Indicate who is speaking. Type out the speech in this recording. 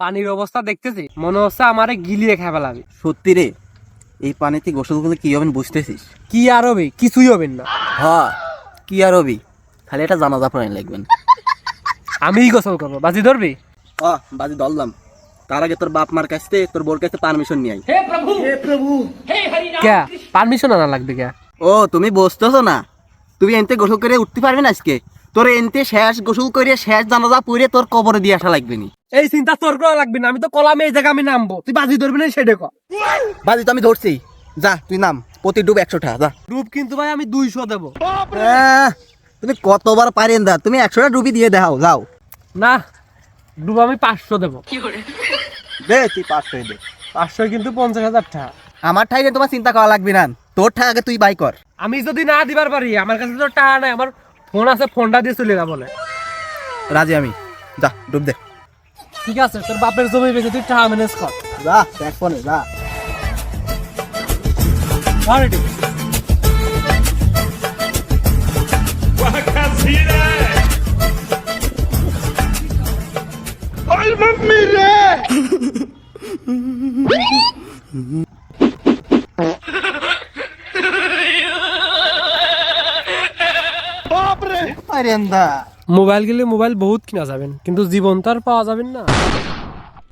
Speaker 1: পানির অবস্থা দেখতেছি মনে হচ্ছে আমারে গিলিয়ে খাই ফেলাবি।
Speaker 2: সত্যি রে, এই পানিতে গোসল করলে কি হবেন বুঝতেছিস?
Speaker 1: কি আর হবে, কিছুই হবেন না।
Speaker 2: হ্যাঁ, কি আর হবি, খালি এটা জানাজা পড়াই লাগবেন।
Speaker 1: আমিই গোসল করবো, বাজি ধরবি?
Speaker 2: বাজি দললাম, তার আগে তোর বাপ মার কাছ থেকে তোর বোর কাছে পারমিশন নিয়ে আই।
Speaker 1: কে পারমিশন আনা লাগবে কে?
Speaker 2: ও তুমি বসতেছো না, তুমি এনতে গোসল করে উঠতে পারবি না আজকে? তোর এনতে শেষ গোসল করে শেষ জানাজা পড়ে তোর কবরে দিয়ে আসা লাগবে নি।
Speaker 1: এই চিন্তা তোর করা লাগবে না, আমি তো কলামে এই জায়গা আমি নামবো, তুই বাজি ধরবি না সেটা কর।
Speaker 2: বাজি তো আমি ধরছি, যা তুই নাম, প্রতি ডুব 100 টাকা যা।
Speaker 1: রূপ কিন্তু ভাই আমি 200 দেবো।
Speaker 2: তুমি কতবার পারেন দা, তুমি 100টা ডুবি দিয়ে দেখাও, যাও।
Speaker 1: না, ডুব আমি 500 দেবো।
Speaker 2: দে তুই 500 দে।
Speaker 1: 500 কিন্তু 50,000 টাকা।
Speaker 2: আমার ঠাইরে তোমার চিন্তা করা লাগবে না, তোর ঠাই আগে তুই বাই কর।
Speaker 1: আমি যদি না দিবার পারি, আমার কাছে তো টাকা নাই, আমার ফোন আছে, ফোনটা দিয়ে চলে না বলে।
Speaker 2: রাজি আমি, যা ডুব দে।
Speaker 1: ঠিক আছে, তোর বাপের জমি বেঁচে তুই টাকা ম্যানেজ কর।
Speaker 2: যা দেখ ফোনে যা।
Speaker 1: Already.
Speaker 2: পারেন দা।
Speaker 1: মোবাইল গেলে মোবাইল বহুত কিনা যাবেন, কিন্তু জীবন তো আর পাওয়া যাবেন না।